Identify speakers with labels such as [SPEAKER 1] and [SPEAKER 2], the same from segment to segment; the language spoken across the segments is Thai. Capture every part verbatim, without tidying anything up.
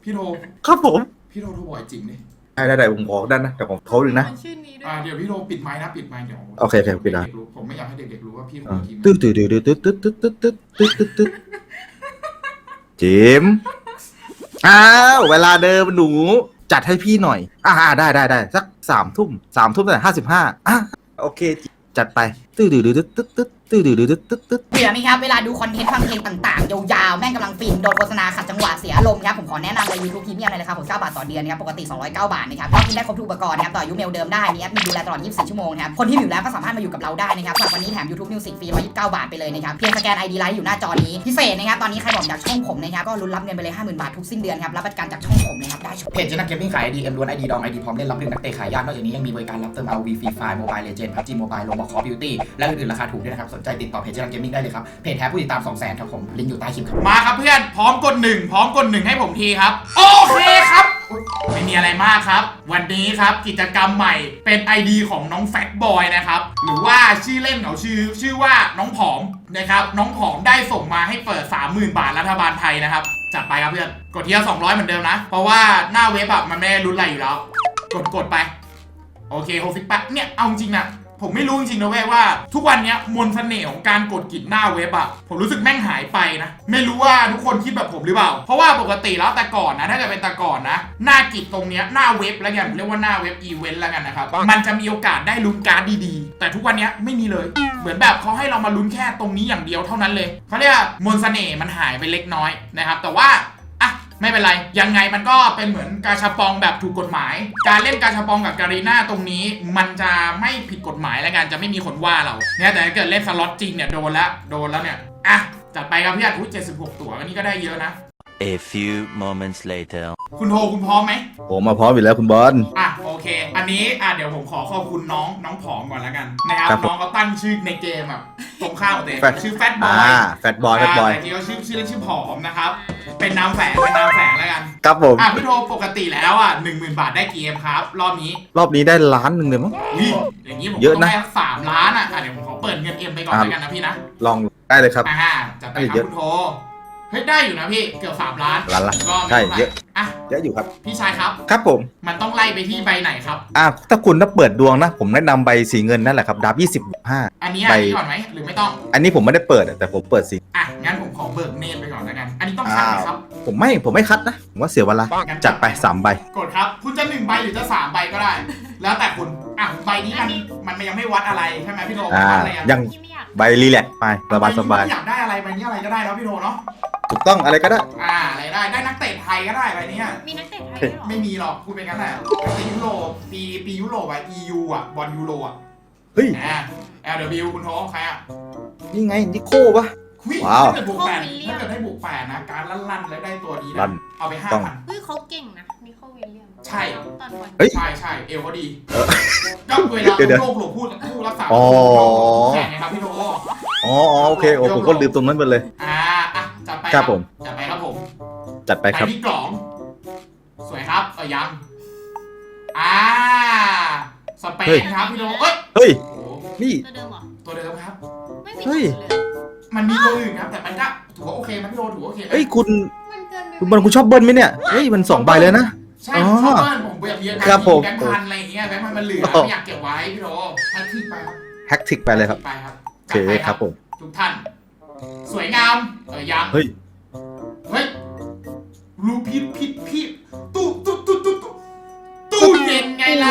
[SPEAKER 1] พี่โท
[SPEAKER 2] ครับผม
[SPEAKER 1] พี่โทโทรบ่อยจริงดิ
[SPEAKER 2] ได้ได้ได้ผมขอด้านนะแต่ผมเขาดึงนะ
[SPEAKER 1] อ่าเดี๋ยวพี่โทปิดไมค์นะปิดไมค์เดี๋ยว
[SPEAKER 2] โอเคโอเคปิดนะ
[SPEAKER 1] ผมไม่อยากให้เด็กๆรู้ว่าพี่คุยทีม
[SPEAKER 2] ตึ๊ดตึ๊ดตึ๊ดตึ๊ดตึ๊ดตึ๊ดตึ๊ดตึ๊ดตึ๊ดตึ๊ดตึ๊ดจิมอ้าวเวลาเดิมหนูจัดให้พี่หน่อยอ่าได้ได้ได้สักสามทุ่มสามทุ่มแต่ห้าสิบห้าอ่ะโอเคจัดไปตึ๊ดตึ๊ดตึ๊ดตึ๊ดตึ๊ดตึ๊ดตึ๊ดตึ๊ดตึ๊ดตึ๊ด
[SPEAKER 3] เบื่อไหมครับเวลาดูคอนเทนต์ฟังเพลงต่างๆยาวๆแม่งกำลังฟินโดนโฆษณาขัดจังหวะเสียอารมณ์ครับผมขอแนะนำเลย YouTube Premium เลยนะครับผมเก้าบาทต่อเดือนนะครับปกติสองร้อยเก้าบาทนะครับก็กินได้ครบทุกอุปกรณ์นะครับต่ออายุเมลเดิมได้มีแอดมินดูแลตลอดยี่สิบสี่ชั่วโมงนะครับคนที่อยู่แล้วก็สามารถมาอยู่กับเราได้นะครับสำหรับวันนี้แถม YouTube Music ฟรีหนึ่งร้อยยี่สิบเก้าบาทไปเลยนะครับเพียงสแกน ไอ ดี ไลน์อยู่หน้าจอนี้พิเศษนะครับตอนนี้ใครบอกอยากช่องผมนะครับก็ลุ้นรับเงินไปเลย ห้าหมื่น บาททุกสิ้นเดือนครับรับประกันจากช่องผมนะครับได้
[SPEAKER 4] เพจเจนักเกมมิ่งขาย ไอ ดี เอ็มล้วน ไอ ดี ดอง ไอ ดี พร้อมเล่นรับเล่นนักเตะขายยากนอกจากนี้ยังมีบริการรับเติม อาร์ โอ วี Free Fire Mobile Legends พับจี Mobile Roblox Call of Duty และอื่นๆราคาถูกด้วยนะครับสนใจติดต่อเพจเจนักเกมมิ่งได้เลยครับเพจแท้ผู้ติดตาม สองแสน ครับผมลิงก์อยู่ใต้คลิปครับ
[SPEAKER 1] มาครับเพื่อนพร้อมกดหนึ่งพร้อมกดหนึ่งให้ผมทีครับโอเคครับไม่มีอะไรมากครับวันนี้ครับกิจกรรมใหม่เป็น ไอ ดี ของน้องแฟตบอยนะครับหรือว่าชื่อเล่นเขาชื่อชื่อว่าน้องผอมนะครับน้องผอมได้ส่งมาให้เปิด สามหมื่น บาทรัฐบาลไทยนะครับจัดไปครับเพื่อนกดทีละสองร้อยเหมือนเดิมนะเพราะว่าหน้าเว็บอะมันไม่ได้รุนอะไรอยู่แล้วกดกดไปโอเคหกสิบแปดเนี่ยเอาจริงนะผมไม่รู้จริงๆนะเว้ยว่าทุกวันนี้มนต์เสน่ห์ของการกดกิจหน้าเว็บอะผมรู้สึกแม่งหายไปนะไม่รู้ว่าทุกคนคิดแบบผมหรือเปล่าเพราะว่าปกติแล้วแต่ก่อนนะถ้าเกิดเป็นแต่ก่อนนะหน้ากิจตรงเนี้ยหน้าเว็บแล้วกันเรียกว่าหน้าเว็บอีเวนต์แล้วกันนะครับมันจะมีโอกาสได้ลุ้นการ์ดดีๆแต่ทุกวันนี้ไม่มีเลยเหมือนแบบเขาให้เรามาลุ้นแค่ตรงนี้อย่างเดียวเท่านั้นเลยเขาเรียกมนต์เสน่ห์มันหายไปเล็กน้อยนะครับแต่ว่าไม่เป็นไรยังไงมันก็เป็นเหมือนกาชาปองแบบถูกกฎหมายการเล่นกาชาปองกับการีน่าตรงนี้มันจะไม่ผิดกฎหมายแล้วกันจะไม่มีคนว่าเราเนี่ยแต่ถ้าเกิดเล่นสล็อตจริงเนี่ยโดนละโดนแล้วเนี่ยอ่ะจัดไปครับพี่อัดอุ้ยเจ็ดสิบหกตั๋วอันนี้ก็ได้เยอะนะ
[SPEAKER 5] A few moments later
[SPEAKER 1] คุณโทคุณพร้อมไหม
[SPEAKER 2] ผมมาพร้อมอยู่แล้วคุณบอล
[SPEAKER 1] อ่ะโอเคอันนี้อ่ะเดี๋ยวผมขอขอบคุณน้องน้องผอมก่อนแล้วกันนะครับน้องเขาตั้งชื่อในเกมแบบตรงข้ามเตะชื่อแฟตบอย
[SPEAKER 2] แฟตบอยแฟตบอย
[SPEAKER 1] แต่ที่เขาชื่อชื่อเล่นชื่อผอมนะครับเป็นนามแฝงเป็นนามแฝงแล้วกัน
[SPEAKER 2] ครับผม
[SPEAKER 1] อ่ะพี่โทปกติแล้วอ่ะหนึ่งหมื่นบาทได้กี่เกมครับรอบนี้
[SPEAKER 2] รอบนี้ได้ล้านหนึ่งเลยมั้ง
[SPEAKER 1] อย่างนี้ผมต้องได้สามล้านอ่ะเดี๋ยวผมขอเปิดเงินเอ็มไปก่อนแล้วกันนะพี่นะ
[SPEAKER 2] ลองได้เลยครับ
[SPEAKER 1] อ่าจัดไปครับคุณโทเฮ้ยได้อยู่นะพี่เกือบสามล้าน
[SPEAKER 2] ล้านละใช่เยอะอ่ะเยอะอยู่ครับ
[SPEAKER 1] พี่ชายครับ
[SPEAKER 2] ครับผม
[SPEAKER 1] มันต้องไล่ไปที่ใบไหนครับ
[SPEAKER 2] อ่ะถ้าคุณถ้าเปิดดวงนะผมแนะนำใบสีเงินนั่นแหละครับดาบยี่สิบห้า
[SPEAKER 1] อันนี้อันนี้ก่อนไหมหรือไม่ต้อง
[SPEAKER 2] อันนี้ผมไม่ได้เปิดแต่ผมเปิดสี
[SPEAKER 1] อ่ะงั้นผมขอเบิกเนตไปก่อนแล้วกันอันนี้ต้องคัดไหมครับ
[SPEAKER 2] ผมไม่ผมไม่คัดนะผมว่าเสียเวลาจัดไปสามใบ
[SPEAKER 1] กดครับคุณจะหนึ่งใบหรือจะสามใบก็ได้แล้วแต่คุณอ่ะใบนี้มันมันยังไม่วัดอะไรใช่ไหมพี่โท
[SPEAKER 2] อ่ายังใบรีแลกไปสบายสบาย
[SPEAKER 1] อยากได้อะไรใบนี้อะไรก็ได้แล้วพี่โทเนาะ
[SPEAKER 2] ถูกต้องอะไรก็ได้
[SPEAKER 1] อ่าอะไรได้ได้นักเตะไทยก็ได้ใบนี้
[SPEAKER 6] มีนักเตะไทยหรอ
[SPEAKER 1] ไม่มีหรอกพูดเป็นงั้นแหละปียุโรปปีปียุโรปอ่ะ อี ยู อ่ะบอลยูโรอ่ะ
[SPEAKER 2] เฮ้ย
[SPEAKER 1] อ่า แอล ดับเบิลยู คุณโทใครอ่ะ
[SPEAKER 2] นี่ไงนิโก้ปะว้าว
[SPEAKER 1] ถ้าเกิดบวกแปดถ้าเกิดได้บวกแปดนะการลั่นๆแล้วได้ตัวนี้นะเอาไปห้าพัน
[SPEAKER 6] เฮ้ยเขาเก่งนะนิโคลวิลเลียม
[SPEAKER 1] ใช่
[SPEAKER 6] ตอนบอล
[SPEAKER 1] ใช่ใช่เอวเขาดีก็เวลาโลกหลบพูดพูดรักษาแข่งไงครับพี่โท
[SPEAKER 2] อ๋อโอเคโอ้ผมก็ลืมตรงนั้นไปเลย
[SPEAKER 1] อ่าอ่ะจัดไป
[SPEAKER 2] ครับผม
[SPEAKER 1] จัดไปครับผม
[SPEAKER 2] จัดไปครับ
[SPEAKER 1] พี่กล่องสวยครับเออยังอ่าสเปนครับพี่โทเอ้ย
[SPEAKER 2] เฮ้ยนี่
[SPEAKER 6] ตัวเดิมเหรอ
[SPEAKER 1] ตัวเดิมครับ
[SPEAKER 6] ไม่มีเลย
[SPEAKER 1] มันมีตัวอื่นครับแต่มันก็ถือว่าโอเคมันพี่โทถือว่าโอเค
[SPEAKER 2] เฮ้ยคุณคุณบอลคุณชอบเบิ้ลไหมเนี่ยเฮ้ยมันสองใบเลยนะ
[SPEAKER 1] ใช่ชอบเบิ้ลผมแบบเยอะ
[SPEAKER 2] ครับผม
[SPEAKER 1] แบงค์พันอะไรอย่างเงี้ยแบงค์พันมันเหลือไม่อยากเก็บไว้พี่โทแฮกทิกไปครับ
[SPEAKER 2] แฮกทิกไปเลยครับ
[SPEAKER 1] ไปครับ
[SPEAKER 2] โอเคครับผม
[SPEAKER 1] ทุกท่านสวยงามเออยัง
[SPEAKER 2] เฮ้ย
[SPEAKER 1] เฮ้ยรูพิษพิษพิษตู้ตู้ตู้ตู้ตู้ตู้เย็นไงล่ะ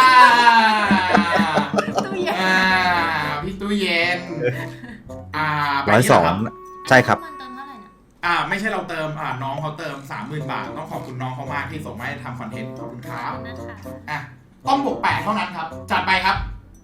[SPEAKER 6] ตู้เย็น
[SPEAKER 1] อ่าพี่ตู้เย็นอ่า
[SPEAKER 2] ร้อยสองใช่ครับ
[SPEAKER 1] อ่าไม่ใช่เราเติมอ่าน้องเขาเติม สามหมื่น บาทต้องขอบคุณน้องเขามากที่ส่งมาให้ทำคอนเทนต์ขอบคุณครับอ่ะต้องบวกแปดเท่านั้นครับจัดไปครับ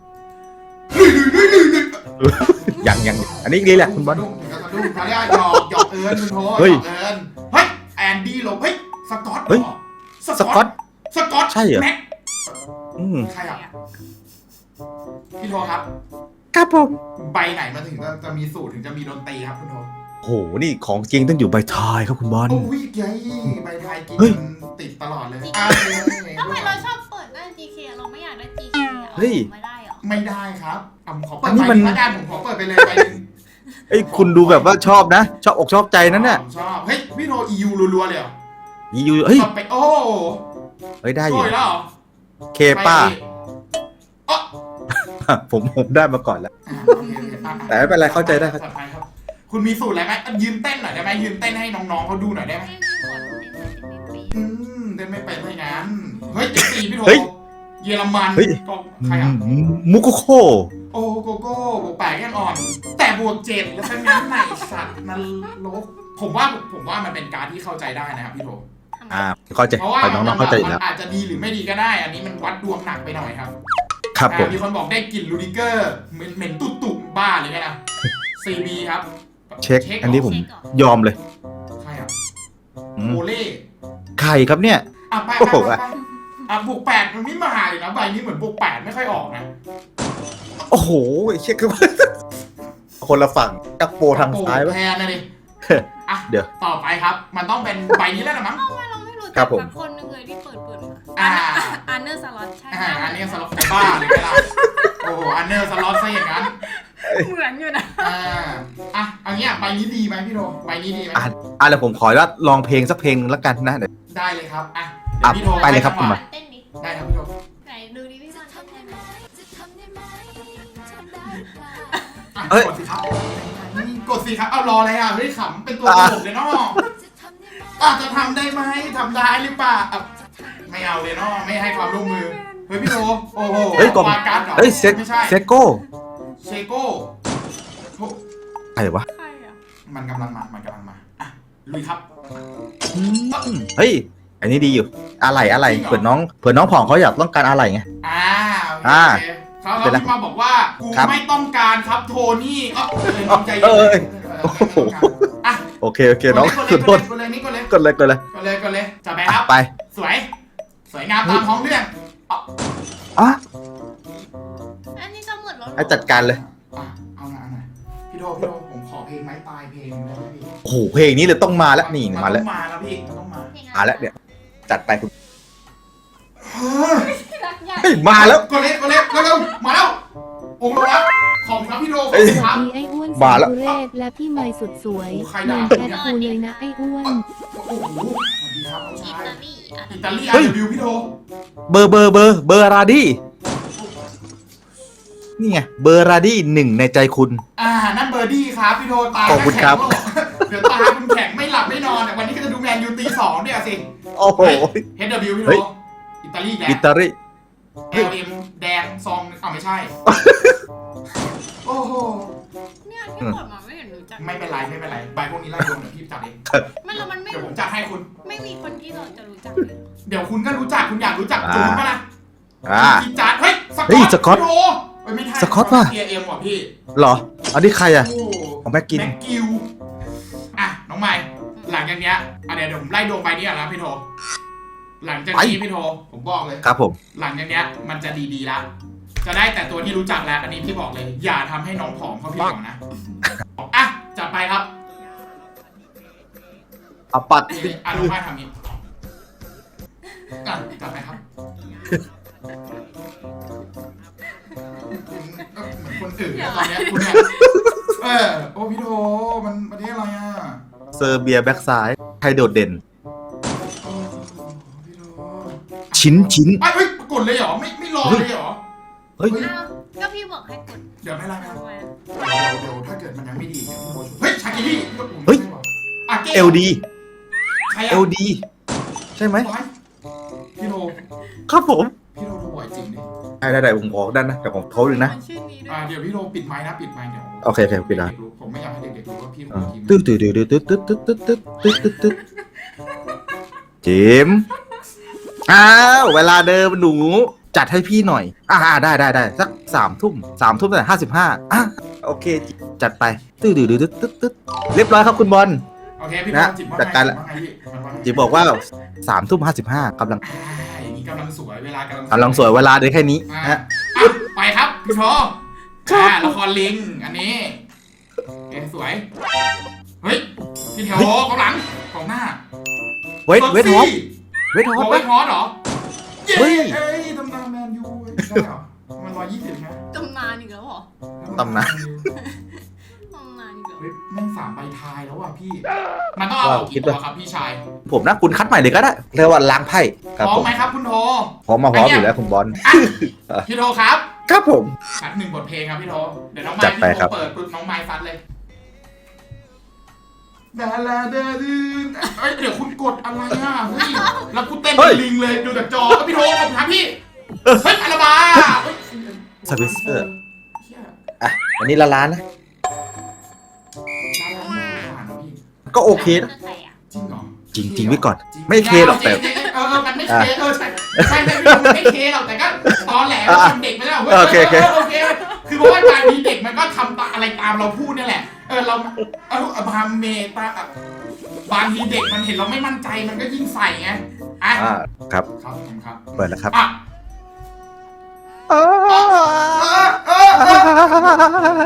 [SPEAKER 2] ยังยังอันนี้รีแลกคุณบอล
[SPEAKER 1] ดุ้งดุ้งเขาเรียกหยอกหยอกเอิญคุณโทหยอกเอิญเฮ้ยแอนดี้ลงเฮ้ยสกอต
[SPEAKER 2] เฮ้ยสกอต
[SPEAKER 1] สกอต
[SPEAKER 2] ใช่เหรอ
[SPEAKER 1] อืมใช่ครับพี่โทครับ
[SPEAKER 2] ครับผม
[SPEAKER 1] ใบไหนมาถึงจะมีสูตรถึงจะมีดนตรีครับคุณโท
[SPEAKER 2] โหนี่ของจริงต้องอยู่ใบทายครับคุณบอล
[SPEAKER 1] โอ้ยยัยใบทายกินติดตลอดเลย
[SPEAKER 6] ทำไมเราชอบเปิดได้ จี เค เราไม่อยากได้ จี เค
[SPEAKER 2] เฮ้ย
[SPEAKER 6] ไม่ได้หรอ
[SPEAKER 1] ไม่ได้ครับอ่ะขอเปิดใบนี้ละกันผมขอเปิดไปเลยใบนึง
[SPEAKER 2] เอ้ยคุณดูแบบว่าชอบนะชอบอกชอบใจนั่นน่ะ
[SPEAKER 1] ชอบเฮ้ยพี่โท อี ยู รัวๆเลยเหรอ
[SPEAKER 2] ยูเฮ้ย
[SPEAKER 1] ต่อไปโอ้
[SPEAKER 2] เฮ้ยได้อ
[SPEAKER 1] โอ้
[SPEAKER 2] ยู่
[SPEAKER 1] ยแล้วเหรอ
[SPEAKER 2] เคป้า
[SPEAKER 1] ไปดิอ๋อ
[SPEAKER 2] ผมผมได้มาก่อนแล้ว
[SPEAKER 1] อ่ะโอเคโอเคอ่ะ
[SPEAKER 2] แต่ไม่เป็นไรเข้าใจได้ครับ
[SPEAKER 1] จัดปครับ คุณมีสูตรอะไรไหมอ่ะยืนเต้นหน่อยได้ไหมยืนเต้นให้น้องๆเขาดูหน่อยได้ไหม
[SPEAKER 6] ไม่มีหัวเต้นไม่เป็นปี
[SPEAKER 1] อืมเต้นไม่เป็นไม่งั้นเฮ้ยเจ็ดสี่พี่โท
[SPEAKER 2] เฮ้ย
[SPEAKER 1] เยอรมัน
[SPEAKER 2] เฮ้ย
[SPEAKER 1] ก็ใครอ่ะ
[SPEAKER 2] มุกุโค
[SPEAKER 1] โอ้โกโก้บวกแปดยังอ่อน แต่บวกเจ็ดแล้วทั้งนั้นไหนสัตว์นรกผมว่าผมว่ามันเป็นการที่เข้าใจได้นะครับพี่โท
[SPEAKER 6] ทำไม
[SPEAKER 2] อ่าเข้าใจ
[SPEAKER 1] เพราะว่า
[SPEAKER 2] น้องๆเข้าใจอยู่แล้ว
[SPEAKER 1] มันอาจจะดีหรือไม่ดีก็ได้ อันนี้มันวัดดวงหนักไปหน่อยครับ
[SPEAKER 2] ครับผม
[SPEAKER 1] อ่ามีคนบอกได้กลิ่นลูดิเกอร์เหม็นเหม็นตุ๊ตุ่บ้าเลยไงนะ ซี บี ครับ
[SPEAKER 2] เช็ค อันนี้ผมยอมเลย
[SPEAKER 1] ใครอ่ะ
[SPEAKER 2] อืม
[SPEAKER 1] โอเล่
[SPEAKER 2] ใครครับเนี่ย
[SPEAKER 1] อ่ะไป
[SPEAKER 2] โอ้
[SPEAKER 1] ไป
[SPEAKER 2] โห
[SPEAKER 1] ไปไปอ่ะบวกแปดมันไม่มาเลยนะใบนี้เหมือนบวกแปดไม่ค่อยออกนะ
[SPEAKER 2] โอ้โหเช็คคือคนละฝั่งจักโปทางซ้าย
[SPEAKER 1] โอ้
[SPEAKER 2] วะ
[SPEAKER 1] แทนนะดิอ่ะ
[SPEAKER 2] เดี๋ยว
[SPEAKER 1] ต่อไปครับ มันต้องเป็นใบนี้แล้วนะมั้ง
[SPEAKER 6] ทำไมเราไม่รู้
[SPEAKER 2] ครั
[SPEAKER 6] จั
[SPEAKER 2] บ
[SPEAKER 6] ก
[SPEAKER 2] ผม
[SPEAKER 6] สักคนหนึงเลยที่เปิดเปิดมา
[SPEAKER 1] อ่า
[SPEAKER 6] อันเนอร์สล็อตใช่
[SPEAKER 1] อ่าอันนี้สล็อตบ้าเลยไงล่ะโอ้โหอันเนอร์สล็อตซะอย่างนั้น
[SPEAKER 6] เหมือนอยู่นะ
[SPEAKER 1] อ่าอ่ะเอางี้อ่ะใบนี้ดีไหมพี่โดใบนี้ดีไหม
[SPEAKER 2] อ่ะอ่ะเดี๋ยวผมขอว่าลองเพลงสักเพลงแล้วกันนะเดี๋ยว
[SPEAKER 1] ได้เลยครับอ่ะ
[SPEAKER 2] อ่ะ
[SPEAKER 1] เดี๋ยวพี่โด
[SPEAKER 2] ไปเลยครับ
[SPEAKER 1] ให้จังหวะ
[SPEAKER 6] เต้นดิ
[SPEAKER 1] ได้ครับพี่โด
[SPEAKER 6] ไหนดูดิพี่ซอนเต้นได้ไหม
[SPEAKER 1] อ่ะ
[SPEAKER 2] เอ้ย
[SPEAKER 1] กดสิครับกดสิครับเอารออะไรอ่ะเฮ้ยขำเป็นตัวตลกเลยเนาะอ่ะจะทำได้ไหมทำได้หรือเปล่าอ่ะไม่เอาเลยเนาะไม่ให้ความร่วมมือเฮ้ยพี่โดโอ้โห
[SPEAKER 2] เฮ้ยกล่อง
[SPEAKER 1] วาการ์ดหรอ
[SPEAKER 2] เฮ้ยเซ
[SPEAKER 1] ไม่ใช่
[SPEAKER 2] เซโก้
[SPEAKER 1] เชโก้โอ้
[SPEAKER 2] ใครวะ
[SPEAKER 6] ใครอ่ะ
[SPEAKER 1] มันกำลังมา มันกำลังมา อ่ะ ลุยครับ
[SPEAKER 2] อืมเฮ้ย อันนี้ดีอยู่ อะไรอะไร
[SPEAKER 1] จริงเหรอ
[SPEAKER 2] เผื่อน้องเผื่อน้องผ่องเขาอยากต้องการอะไรไง
[SPEAKER 1] อ่าโอเค
[SPEAKER 2] อ่า
[SPEAKER 1] โอเคเขา
[SPEAKER 2] เดี๋ยวนะ
[SPEAKER 1] เขาพิมพ์มาบอกว่า กู
[SPEAKER 2] ครับ
[SPEAKER 1] ไม่ต้องการครับโทนี่เอ๋อเลยน้องใจเย็น
[SPEAKER 2] เอ้ย
[SPEAKER 1] เออไม่ต้องการอ่ะ
[SPEAKER 2] โอเคโอเคน้อง
[SPEAKER 1] ก
[SPEAKER 2] ข
[SPEAKER 1] ด
[SPEAKER 2] อ
[SPEAKER 1] เลย
[SPEAKER 2] โทษ
[SPEAKER 1] กดเลยนี่กดเลย
[SPEAKER 2] กดเลยกดเลย
[SPEAKER 1] กดเลยกดเลยจับไปครับ
[SPEAKER 2] ไป
[SPEAKER 1] สวย สวยงามตามท้องเรื่องอ่ะ
[SPEAKER 2] อ่ะ
[SPEAKER 6] อันนี้จะหมดแล้วเหรอ
[SPEAKER 2] ให้จัดการเลย
[SPEAKER 1] อ่ะเอาหน่อยเอาหน่อยพี่โดพี่โดผมขอเพลงไม้ตายเพลงได้ไหมพี่
[SPEAKER 2] โอ้โหเพลงนี้เลยต้องมาแล้วนี่
[SPEAKER 1] น
[SPEAKER 2] มาแล้ว
[SPEAKER 1] ต้องมาแล้วพี่มันต้องมา
[SPEAKER 6] เพลงะไร
[SPEAKER 2] มาแล้วเนี่ยจัดไปคุณ
[SPEAKER 1] เฮ้ย
[SPEAKER 6] รักใหญ่
[SPEAKER 2] เฮ้ยมาแล้ว
[SPEAKER 1] กดเลยกดเลยเร็วๆมาแล้วโอ้โหแล้วขอบคุณครับพี่โดขอบ
[SPEAKER 2] เอ้ย
[SPEAKER 1] คุณครับ
[SPEAKER 7] มีไอ้อ้วน
[SPEAKER 2] มาแล้ว
[SPEAKER 7] สุเรศและพี่เมย์สุดสวย
[SPEAKER 1] โอ้ใคร
[SPEAKER 7] เห
[SPEAKER 1] ด่า
[SPEAKER 7] มือนแคทคูเลยนะไอ้อ้วน
[SPEAKER 1] โอ้โหสวัสดีครับน้อง
[SPEAKER 6] อิ
[SPEAKER 1] ชาย
[SPEAKER 6] ตาลีอ่ะ
[SPEAKER 1] อิตาลี
[SPEAKER 2] เฮ้
[SPEAKER 1] อาร์
[SPEAKER 2] ย
[SPEAKER 1] วิวพี่โท
[SPEAKER 2] เบอร์เบอร์เบอร์เบอร์ราดี้นี่ไงเบอร์ราดี้หนึ่งในใจคุณ
[SPEAKER 1] อ่า นั่นเบอร์ดี้ครับพี่โทตา
[SPEAKER 2] ขอบคุณครับ
[SPEAKER 1] แข็งแล้วเดี๋ยวตาคุณแข็งไม่หลับไม่นอนแต่วันนี้ก็จะดูแมนยูตีสองเนี่ยสิ
[SPEAKER 2] โอ้โห
[SPEAKER 1] เฮดเดอร์บิวพี่โท
[SPEAKER 2] เฮ้ย
[SPEAKER 1] อิตาลีแด
[SPEAKER 2] อิ
[SPEAKER 1] ง
[SPEAKER 2] ตาลี
[SPEAKER 1] เอลเอ็มแดงซองอ้าวไม่ใช่ โอ้โห
[SPEAKER 6] เนี่ยที่กดมาไม่เห็นรู้จัก
[SPEAKER 1] ไม่เป็นไรไม่เป็นไรใบพวกนี้ไล่โดนเดี๋ยวพี่จัดเอง
[SPEAKER 6] ไม่แล้วมันไม่
[SPEAKER 1] เดี๋ยวผมจัดให้คุณ
[SPEAKER 6] ไม่มีคนที่เราจะรู้จักเลย
[SPEAKER 1] เดี๋ยวคุณก็รู้จักคุณอยากรู้จักจูนปะล่ะ
[SPEAKER 2] อ่า
[SPEAKER 1] จีนจัดเฮ้ยส
[SPEAKER 2] เฮ้
[SPEAKER 1] กอ
[SPEAKER 2] ย
[SPEAKER 1] ต
[SPEAKER 2] สก๊อต
[SPEAKER 1] พี่โทเฮ้ยไม่ใช่
[SPEAKER 2] สก๊อตว่ะ
[SPEAKER 1] เอเอ็มว่ะพี่
[SPEAKER 2] เหรอ อันนี้ใครอ่ะ
[SPEAKER 1] โอ้
[SPEAKER 2] ของแม็กกิน
[SPEAKER 1] แม็กกิวอ่ะ น้องใหม่ หลังจากเนี้ยอ่ะเดี๋ยวเดี๋ยวผมไล่ดวงไปนี่ก่อนนะพี่โท หลังจากนี้พี่โท ผมบอกเลย
[SPEAKER 2] ครับผม
[SPEAKER 1] หลังจากเนี้ยมันจะดีๆละ จะได้แต่ตัวที่รู้จักแล้ว อันนี้พี่บอกเลย อย่าทำให้น้องผอมเขาพี่หวังนะ อ่ะ จัดไปครับ
[SPEAKER 2] เอาปัด
[SPEAKER 1] อ่ะน้องใหม่ทำนี้อ่ะจัดไปครับเหมือนคนอื่นนะตอนเนี้ยคุณเนี่ย เออ โอ้พี่โท มันประเทศอะไรอ่ะ
[SPEAKER 2] เซอร์เบียแบ็กซ้ายใครโดดเด่น
[SPEAKER 1] โอ้พี่โท
[SPEAKER 2] ชิ้นชิ้น
[SPEAKER 1] ไอ้เฮ้ยกดเลยเหรอ ไม่ไม่รอเลยเหรอ
[SPEAKER 2] เฮ้ย
[SPEAKER 6] อ้าวก็พี่บอกให้กด
[SPEAKER 1] เดี๋ยวไม่ไรไม่
[SPEAKER 6] ทำ
[SPEAKER 1] ไร
[SPEAKER 6] ไม
[SPEAKER 1] เดี๋ยวเดี๋ยวถ้าเกิดมันยังไม่ดีเดี๋ยวพี่โบช่วยเฮ้ยชาคิรี่
[SPEAKER 2] เฮ้ย
[SPEAKER 1] อ่ะเก
[SPEAKER 2] เอลดี
[SPEAKER 1] ใครอะ
[SPEAKER 2] เอลดีใช่ไหม
[SPEAKER 1] บอยพี่โท
[SPEAKER 2] ครับผม
[SPEAKER 1] พี่โทโทบ่อยจริงดิ
[SPEAKER 2] ได้ได้ได้ผมขอด้านนะแต่ผมเขาดึงนะ
[SPEAKER 6] มันชื่อนี้ด้ว
[SPEAKER 1] อ่าย เดี๋ยวพี่โทปิดไมค์นะปิดไมค์เดี๋ยว
[SPEAKER 2] โอเคโอเคปิดแล้ว
[SPEAKER 1] เกๆรู้ผมไม่อยากให้เด็กๆรู้ว่าพี่โท
[SPEAKER 2] อ่า
[SPEAKER 1] ทีม
[SPEAKER 2] ตึ๊ดตึ๊ดตึ๊ดตึ๊ดตึ๊ดตึ๊ดตึ๊ดตึ๊ดตึ๊ดตึ๊ดตึ๊ดจิมอ้าวเวลาเดิมหนูจัดให้พี่หน่อยอ่าได้ได้ได้สักสามทุ่มสามทุ่มแต่ห้าสิบห้าอ่ะโอเคจัดไปตึ๊ดตึ๊ดตึ๊ดตึ๊ดตึ๊ดเรียบร้อยครับคุณบอล
[SPEAKER 1] โอเคพี่โท
[SPEAKER 2] นะ
[SPEAKER 1] จิบว่า
[SPEAKER 2] จัดการละ
[SPEAKER 1] ว่าไงพี่มันว่าไง
[SPEAKER 2] จิมบอกว่าสามทุ่มห้าสิบห้ากำลัง
[SPEAKER 1] อ่าอย่างนี้กำลังสวยเวลากำลัง
[SPEAKER 2] กำลังสวยเวลาเดียวแค่นี้
[SPEAKER 1] อ่า
[SPEAKER 2] ฮะ
[SPEAKER 1] อ่ะไปครับพี่โทอ่าละครลิงอันนี้เอ้ยสวยเฮ้ยพี่แถวกองหลังกองหน้า
[SPEAKER 2] เวทเวทฮอปเวทฮอป
[SPEAKER 1] เว
[SPEAKER 2] ปะ
[SPEAKER 1] ทฮอตเหรอ เย้
[SPEAKER 2] เฮ้ย
[SPEAKER 1] เอ้ยตำนานแมนยูเว้ยได้เหรอ มันร้อยยี่สิบไหม
[SPEAKER 6] ตำนานอีกแล้วเหรอ
[SPEAKER 2] ตำนาน
[SPEAKER 6] ตำนานอีกแล้ว
[SPEAKER 1] เฮ้ยแม่งสามใบทายแล้วว่ะพี่ มันต้องเอาออกกี่ตัวครับพี่ชาย
[SPEAKER 2] ผมนะคุณคัดใหม่เลยก็ได้เรียกว่าล้างไพ่ครับ
[SPEAKER 1] พร้อ
[SPEAKER 2] ผม ม
[SPEAKER 1] ไหมครับคุณโท
[SPEAKER 2] พร้อมมาพร้อมอยู่แล้วคุณบอล
[SPEAKER 1] อ่ะพี่โทครับ
[SPEAKER 2] ครับผม
[SPEAKER 1] คัดหนึ่งบทเพลงครับพี่โทเดี๋ยวน้อง
[SPEAKER 2] จั
[SPEAKER 1] ไม้
[SPEAKER 2] ดไป
[SPEAKER 1] พี่
[SPEAKER 2] ครั
[SPEAKER 1] โท
[SPEAKER 2] บ
[SPEAKER 1] เปิดปุ๊บน้องไม้ฟัดเลยดาลาดาดืนเอ้ยเดี๋ยวคุณกดอะไรอ่ะเฮ้ยแล้วกูเต้นเป็นลิงเลยดูจากจอพี่โทขอบคุณครับพี่เฮ้ยอะไรมาเฮ้ย
[SPEAKER 2] สวิสเซอร์
[SPEAKER 1] เหี้ย
[SPEAKER 2] อ่ะอันนี้ละล้านนะ
[SPEAKER 1] ดาราไม่ผ่านหรอพี่
[SPEAKER 2] ก็โอเคนะ
[SPEAKER 6] ใครอ่ะ
[SPEAKER 1] จริงเหรอ
[SPEAKER 2] จริงจริงไว้ก่อนไม่เคหรอกแต่
[SPEAKER 1] จงๆเออเออมันไม่เคเออใช่ใช่ใช่มันไม่เคหรอกแต่ก็ตอนแหลมันทำเด็กไปแล้วเว้ย
[SPEAKER 2] โอเคโอเค
[SPEAKER 1] โอเคคือเพราะว่าบางทีเด็กมันก็ทำตาอะไรตามเราพูดนี่แหละเออเราเออบางเมตาบางทีเด็กมันเห็นเราไม่มั่นใจมันก็ยิ่งใส่ไงอ่ะ
[SPEAKER 2] อ่าครับ
[SPEAKER 1] ครับผมครับ
[SPEAKER 2] เปิดแล้วครับ
[SPEAKER 1] อ่ะเออเออเออ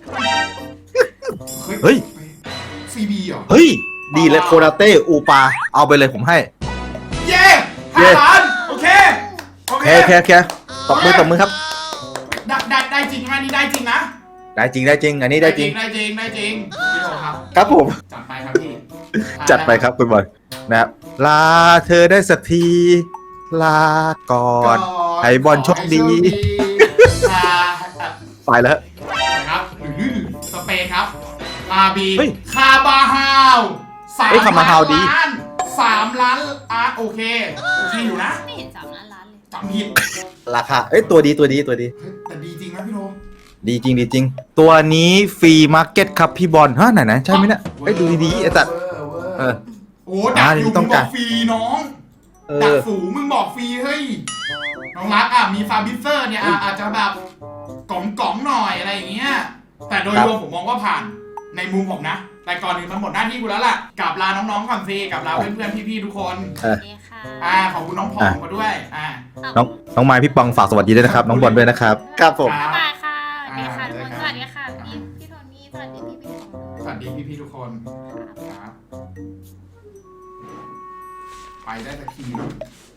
[SPEAKER 2] เฮ้ย
[SPEAKER 1] ซีบีเหรอ
[SPEAKER 2] เฮ้ย ดีเลยโคนาเต้อูปาเอาไปเลยผมให้
[SPEAKER 1] เย้
[SPEAKER 2] เย้
[SPEAKER 1] ห้าล้านโอเคโอ
[SPEAKER 2] โอ
[SPEAKER 1] เค
[SPEAKER 2] เคโอเคโอเคตบมือตบมือครับ
[SPEAKER 1] ได้ได้ได้จริงไหมนี่ได้จริงนะ
[SPEAKER 2] ได้จริงได้จริง อันนี้ได้จริง
[SPEAKER 1] ได้จริงได้จริงพี่โทครับ
[SPEAKER 2] ครับผม
[SPEAKER 1] จัดไปครับพี่
[SPEAKER 2] จัดไปครับคุณบอลนะครับลาเธอได้สักที ลาก่อน ให้บอลโชคดี
[SPEAKER 1] อ่าอ่ะ
[SPEAKER 2] ไปแล้ว
[SPEAKER 1] นะครับหรือสเปนครับอาบี
[SPEAKER 2] เฮ้ย
[SPEAKER 1] คาบาฮาวสาม
[SPEAKER 2] เฮ้ยคาบาฮาวดี
[SPEAKER 1] ล้านสามล้านอ่ะโอเคโอเคอยู่นะ
[SPEAKER 6] ไม่เห็นสามล้านล้านเลย
[SPEAKER 1] จำผิด
[SPEAKER 2] ราคา เอ้ยตัวดีตัวดีตัวดี
[SPEAKER 1] เฮ้ยแต่ดีจริงนะพี่โท
[SPEAKER 2] ดีจริงดีจริง ตัวนี้ฟรีมาร์เก็ตครับพี่บอลฮะไหนไหนใช่ไหมเนี่ยเอ้ยดูดีๆไอ้ตัด
[SPEAKER 1] เวอร์เวอร์
[SPEAKER 2] เออ
[SPEAKER 1] โอ้ดัก
[SPEAKER 2] อ่า
[SPEAKER 1] อยู่
[SPEAKER 2] นี่
[SPEAKER 1] มึ
[SPEAKER 2] ต้อง ง
[SPEAKER 1] บ
[SPEAKER 2] กา
[SPEAKER 1] อ
[SPEAKER 2] ร
[SPEAKER 1] กฟรีน้อง
[SPEAKER 2] เอ
[SPEAKER 1] ดัก
[SPEAKER 2] อ
[SPEAKER 1] สูงมึงบอกฟรีเฮ้ยน้องรักอ่ะมีฟาบิเซอร์เนี่ยอ่ะอาจจะแบบกล่องกล่องๆหน่อยอะไรอย่างเงี้ยแต่โดย
[SPEAKER 2] ครับ
[SPEAKER 1] รวมผมมองว่าผ่านในมุมผมนะ แต่ก่อนอื่นมันหมดหน้าที่กูแล้วล่ะกลับลาน้องๆก่อนสิกลับลาเพื่อนๆพี่ๆทุกคน
[SPEAKER 2] เออ
[SPEAKER 6] โอเคค่ะ
[SPEAKER 1] อ่าขอบคุณน้องผอมมาด้วยอ่า
[SPEAKER 2] น้องน้องไม้พี่ปองฝากสวัสดีด้วยนะครับ น้องบอลด้วยนะครับ ครับผม
[SPEAKER 1] ครับ
[SPEAKER 6] บ๊ายบายค่ะสวัสดีค่ะ
[SPEAKER 1] อ่า
[SPEAKER 6] ทุกคน
[SPEAKER 1] เจอกัน
[SPEAKER 6] สวัสดีค่ะพี่พี่โทนี่สวัสดีพี่พี่ของ
[SPEAKER 1] สวัสดีพี่ๆทุกคนครับไปได้สักที